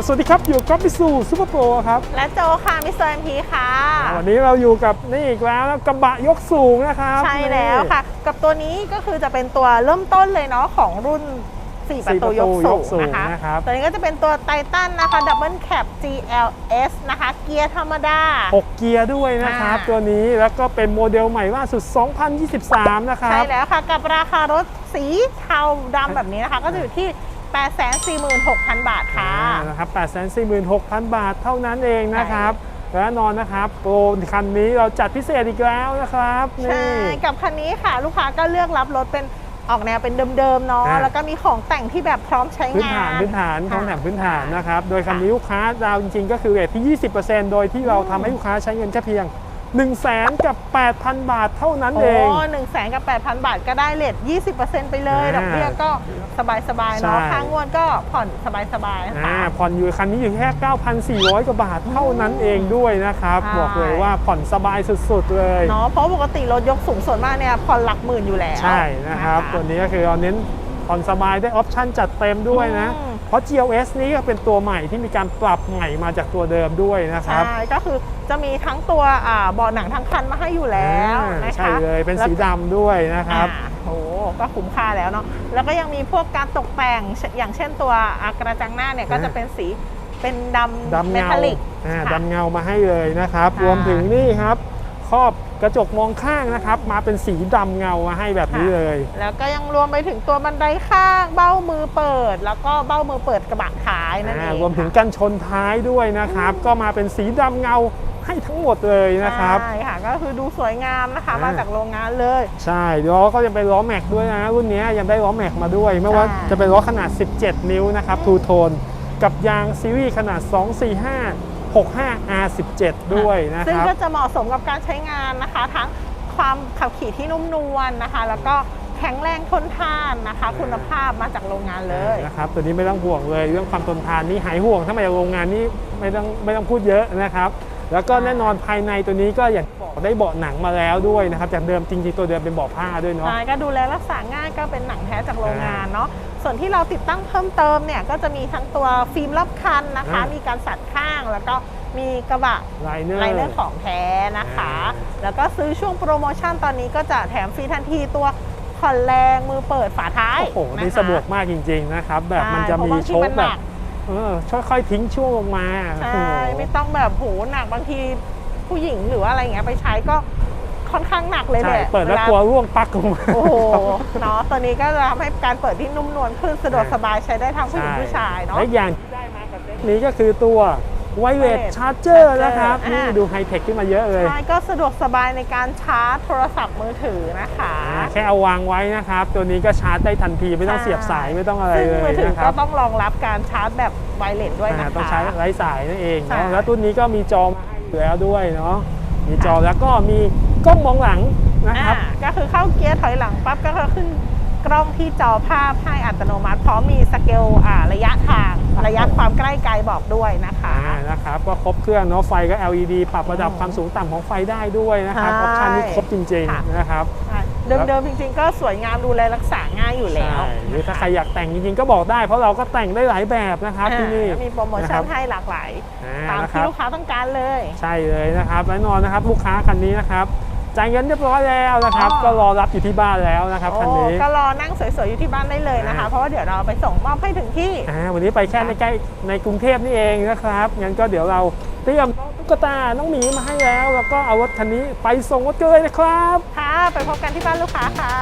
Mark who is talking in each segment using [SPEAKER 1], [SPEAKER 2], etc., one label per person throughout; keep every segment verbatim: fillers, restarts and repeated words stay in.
[SPEAKER 1] สวัสดีครับอยู่กับมิสูซูเปอร์โปรครับ
[SPEAKER 2] และโจค่ะมิสเตอร์เอ็มพีค่ะ
[SPEAKER 1] วันนี้เราอยู่กับนี่อีกแล้วนะกระบะยกสูงนะครับ
[SPEAKER 2] ใช่แล้วค่ะกับตัวนี้ก็คือจะเป็นตัวเริ่มต้นเลยเนาะของรุ่นสี่ประตูยกสูงนะคะตัวนี้ก็จะเป็นตัวไททันนะคะดับเบิลแคป จี แอล เอส นะคะเกียร์ธรรมดา
[SPEAKER 1] หกเกียร์ด้วยนะครับตัวนี้แล้วก็เป็นโมเดลใหม่ล่าสุดสองพันยี่สิบสามนะครับ
[SPEAKER 2] ใช่แล้วค่ะกับราคารถสีเทาดำแบบนี้นะคะก็จะอยู่ที่ แปดแสนสี่หมื่นหกพัน บาทค่ะ
[SPEAKER 1] นะครับ แปดแสนสี่หมื่นหกพัน บาทเท่านั้นเองนะครับและแน่นอนนะครับโปรคันนี้เราจัดพิเศษอีกแล้วนะครับ
[SPEAKER 2] ใช่กับคันนี้ค่ะลูกค้าก็เลือกรับรถเป็นออกแนวเป็นเดิมๆเนาะแล้วก็มีของแต่งที่แบบพร้อมใช้งาน
[SPEAKER 1] พื้นฐานพื้นฐานของแถมพื้นฐานนะครับโดยคันนี้ลูกค้าดาวจริงๆก็คือเรทที่ ยี่สิบเปอร์เซ็นต์ โดยที่เราทำให้ลูกค้าใช้เงินแค่เพียงหนึ่งแสนกับ แปดพัน บาทเท่านั้นเอง
[SPEAKER 2] โอ้หนึ่งแสนกับ แปดพัน บาทก็ได้เลท ยี่สิบเปอร์เซ็นต์ ไปเลยดอกเบี้ยก็สบายๆเนาะค่างวดก็ผ่อนสบายๆนะคะ
[SPEAKER 1] ผ่อนอยู่คันนี้อยู่แค่ เก้าพันสี่ร้อย กว่าบาทเท่านั้นเองด้วยนะครับบอกเลยว่าผ่อนสบายสุดๆเลย
[SPEAKER 2] เนาะเพราะปกติรถยกสูงส่วนมากเนี่ยผ่อนหลักหมื่นอยู่แล้ว
[SPEAKER 1] ใช่นะครับตัวนี้ก็คือเราเน้นผ่อนสบายได้ออปชั่นจัดเต็มด้วยนะเพราะ จี แอล เอส นี้ก็เป็นตัวใหม่ที่มีการปรับใหม่มาจากตัวเดิมด้วยนะครับ
[SPEAKER 2] ใช่ก็คือจะมีทั้งตัวเบาะหนังทั้งคันมาให้อยู่แล้วนะคะ
[SPEAKER 1] ใช่เลยเป็นสีดำด้วยนะครับ
[SPEAKER 2] โอ้ก็คุ้มค่าแล้วเนาะแล้วก็ยังมีพวกการตกแต่งอย่างเช่นตัวกระจังหน้าเนี่ยก็จะเป็นสีเป็นดำ
[SPEAKER 1] ดำเงาดำเงามาให้เลยนะครับรวมถึงนี่ครับครอบกระจกมองข้างนะครับมาเป็นสีดำเงามาให้แบบนี้เลย
[SPEAKER 2] แล้วก็ยังรวมไปถึงตัวบันไดข้างเบ้ามือเปิดแล้วก็เบ้ามือเปิดกระบะท้ายนั่นเอง
[SPEAKER 1] รวมถึงกันชนท้ายด้วยนะครับก็มาเป็นสีดำเงาให้ทั้งหมดเลยนะครับ
[SPEAKER 2] ใช่ค่ะก็คือดูสวยงามนะคะมาจากโรงงานเลย
[SPEAKER 1] ใช่ล้อก็ยังเป็นล้อแม็กด้วยนะรุ่นนี้ยังได้ล้อแม็กมาด้วยไม่ว่าจะเป็นล้อขนาดสิบเจ็ดนิ้วนะครับทูโทนกับยางซีรีส์ขนาดสอง สี่ ห้า หก ห้า อาร์ สิบเจ็ด ด้วยนะครับ
[SPEAKER 2] ซึ่งก็จะเหมาะสมกับการใช้งานนะคะทั้งความขับขี่ที่นุ่มนวลนะคะแล้วก็แข็งแรงทนทานนะคะคุณภาพมาจากโรงงานเลย
[SPEAKER 1] นะครับตัวนี้ไม่ต้องห่วงเลยเรื่องความทนทานนี่หายห่วงถ้ามาจากโรงงานนี่ไม่ต้องไม่ต้องพูดเยอะนะครับแล้วก็แน่นอนภายในตัวนี้ก็อย่างบอกได้เบาะหนังมาแล้วด้วยนะครับจากเดิมจริงๆตัวเดิมเป็นเบาะผ้าด้วยเนาะ
[SPEAKER 2] ใช่ก็ดูแลรักษาง่ายก็เป็นหนังแท้จากโรงงานเนาะส่วนที่เราติดตั้งเพิ่มเติมเนี่ยก็จะมีทั้งตัวฟิล์มรอบคันนะคะมีการสัดข้างแล้วก็มีกระบะ
[SPEAKER 1] ไลเนอ
[SPEAKER 2] ร์ของแท้นะคะแล้วก็ซื้อช่วงโปรโมชั่นตอนนี้ก็จะแถมฟรีทันทีตัวผ่อนแรงมือเปิดฝาท้าย
[SPEAKER 1] โอ้โหนี่สะดวกมากจริงๆนะครับแบบมันจะมีโชคแบบเออค่อยๆทิ้งช่วงลงมา
[SPEAKER 2] ใช่ไม่ต้องแบบโหหนักบางทีผู้หญิงหรือว่าอะไรเงี้ยไปใช้ก็ค่อนข้างหนักเลยแหละ
[SPEAKER 1] เปิดแล้วกลัวร่วงปักลงมา
[SPEAKER 2] โอ้โหเนาะตัวนี้ก็จะทำให้การเปิดที่นุ่มนวลขึ้นสะดวกสบายใช้ได้ทั้งผู้หญิงผู้ชายเนาะ
[SPEAKER 1] และอย่างที่ได้มากับเซ็ตนี้ก็คือตัวไวเลสชาร์จเจอร์นะครับนี่ดูไฮเทคขึ้นมาเยอะเลย
[SPEAKER 2] ใช่ก็สะดวกสบายในการชาร์จโทรศัพท์มือถือนะคะ
[SPEAKER 1] แค่เอาวางไว้นะครับตัวนี้ก็ชาร์จได้ทันทีไม่ต้องเสียบสายไม่ต้องอะไรเลย
[SPEAKER 2] มือถือ
[SPEAKER 1] ก็
[SPEAKER 2] ต้องรองรับการชาร์จแบบไวเลสด้วยนะคะ
[SPEAKER 1] ต้องใช้ไร้สายนั่นเองเนาะแล้วตัวนี้ก็มีจอมาให้อยู่แล้วด้วยเนาะมีจอแล้วก็มีกล้องมองหลังนะครับ
[SPEAKER 2] ก็คือเข้าเกียร์ถอยหลังปั๊บก็ขึ้นกล้องที่จอภาพให้อัตโนมัติพร้อมมีสเกลระยะทางระยะความใกล้ไกลบอกด้วยนะคะ
[SPEAKER 1] นะครับก็ครบเครื่องเนาะไฟก็ แอล อี ดี ปรับระดับความสูงต่ำของไฟได้ด้วยนะครับออปชั่นนี้ครบจริงๆนะครับ
[SPEAKER 2] เดิมๆจริงๆก็สวยงามดูแลรักษาง่ายอยู่แล้ว
[SPEAKER 1] หรือถ้าใครอยากแต่งจริงๆก็บอกได้เพราะเราก็แต่งได้หลายแบบนะครับที่นี่
[SPEAKER 2] มีโปรโมชั่นให้หลากหลายตามที่ลูกค้าต้องการเลย
[SPEAKER 1] ใช่เลยนะครับแน่นอนนะครับลูกค้าคันนี้นะครับจ่ายเงินเรียบร้อยแล้วนะครับก็รอรับอยู่ที่บ้านแล้วนะครับคันนี้
[SPEAKER 2] ก็รอนั่งสวยๆอยู่ที่บ้านได้เลยนะคะเพราะว่าเดี๋ยวเราไปส่งมอบให้ถึงที่
[SPEAKER 1] วันนี้ไปแค่ในใกล้ในกรุงเทพนี่เองนะครับงั้นก็เดี๋ยวเราเตรียมตุ๊กตาน้องหมีมาให้แล้วแล้วก็เอารถคันนี้ไปส่งรถกันเลยนะครับ
[SPEAKER 2] ค่ะไปพบกันที่บ้านลูกค้าค่ะ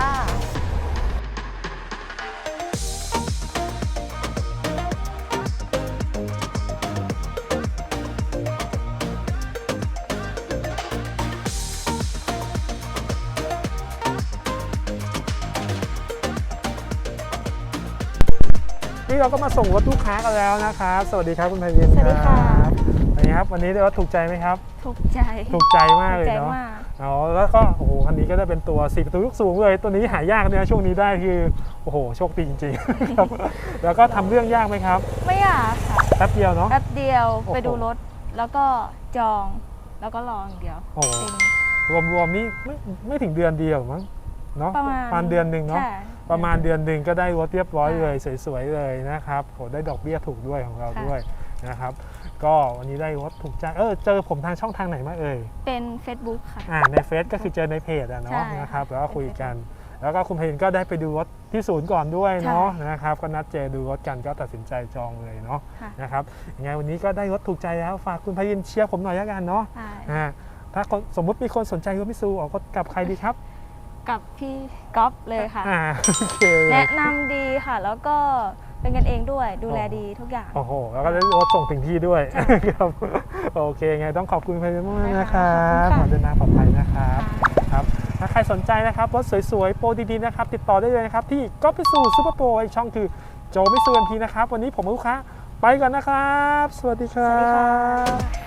[SPEAKER 1] นี่เราก็มาส่งรถลูกค้ากันแล้วนะครับสวัสดีครับคุณไพริน
[SPEAKER 2] สวัสดีค่ะ
[SPEAKER 1] วันนี้ครับวันนี้ได้รถถูกใจไหมครับ
[SPEAKER 3] ถูกใจ
[SPEAKER 1] ถูกใจมากเลยเนาะอ๋อแล้วก็โอ้โหคันนี้ก็ได้เป็นตัวสี่ประตูยกสูงเลยตัวนี้หายากเนี่ยช่วงนี้ได้คือโอ้โหโชคดีจริงๆครับแล้วก็ทำเรื่องยากไหมครับ
[SPEAKER 3] ไม่ยากค่ะ
[SPEAKER 1] แป๊บเดียวเนาะ
[SPEAKER 3] แป๊บเดียวไปดูรถแล้วก็จองแล้วก็รออย่างเดียว
[SPEAKER 1] โอ้รวมๆนี่ไม่ไม่ถึงเดือนเดียวมั้งเนาะ
[SPEAKER 3] ประ
[SPEAKER 1] มาณเดือนหนึ่งเนาะประมาณเดือนหนึ่งก็ได้รถเรียบร้อยเลยสวยๆเลยนะครับโหได้ดอกเบี้ยถูกด้วยของเราด้วยนะครับก็วันนี้ได้รถถูกใจเออเจอผมทางช่องทางไหนมาเอ่ย
[SPEAKER 3] เป็น Facebook ค่ะ
[SPEAKER 1] อ่าในเฟซก็คือเจอในเพจอะเนาะ
[SPEAKER 3] ใช่
[SPEAKER 1] นะครับแล้วก็คุยกัน แล้วก็คุณเพนก็ได้ไปดูรถที่ศูนย์ก่อนด้วยเนาะนะครับก็นัดเจอดูรถกันก็ตัดสินใจจองเลยเนาะ
[SPEAKER 3] ค่ะ
[SPEAKER 1] นะครับยังไงวันนี้ก็ได้รถถูกใจแล้วฝากคุณพยินเชียร์ผมหน่อยละกันเนาะ
[SPEAKER 3] ใช่
[SPEAKER 1] อ่าถ้าคนสมมุติมีคนสนใจรถมิตซูออกรถกับใครดีครับ
[SPEAKER 3] กับพี่ก๊อฟเลยค่ะ
[SPEAKER 1] อ่าโอเคเลย
[SPEAKER 3] แนะนำดีค่ะ แล้วก็เป็นกันเองด้วยดูแลดีทุกอย่าง
[SPEAKER 1] โอ้โหแล้วก็ได้รถส่งถึงที่ด้วย
[SPEAKER 3] ใช่
[SPEAKER 1] ครับโอเคไงต้องขอบคุณพยินมากๆนะครั
[SPEAKER 3] ขอบคุณค่ะ
[SPEAKER 1] ขอเดินทางปลอดภัยนะครับ
[SPEAKER 3] ค่ะ
[SPEAKER 1] ครับถ้าใครสนใจนะครับรถสวยๆโปรดีๆนะครับติดต่อได้เลยนะครับที่ก๊อฟมิตซูซูเปอร์โปรอีกช่องคือโจมิตซูเอ็มพีนะครับวันนี้ผมกับลูกค้าไปก่อนนะครับ สวัสดีครั
[SPEAKER 3] สวัสดีค่ะ
[SPEAKER 1] บ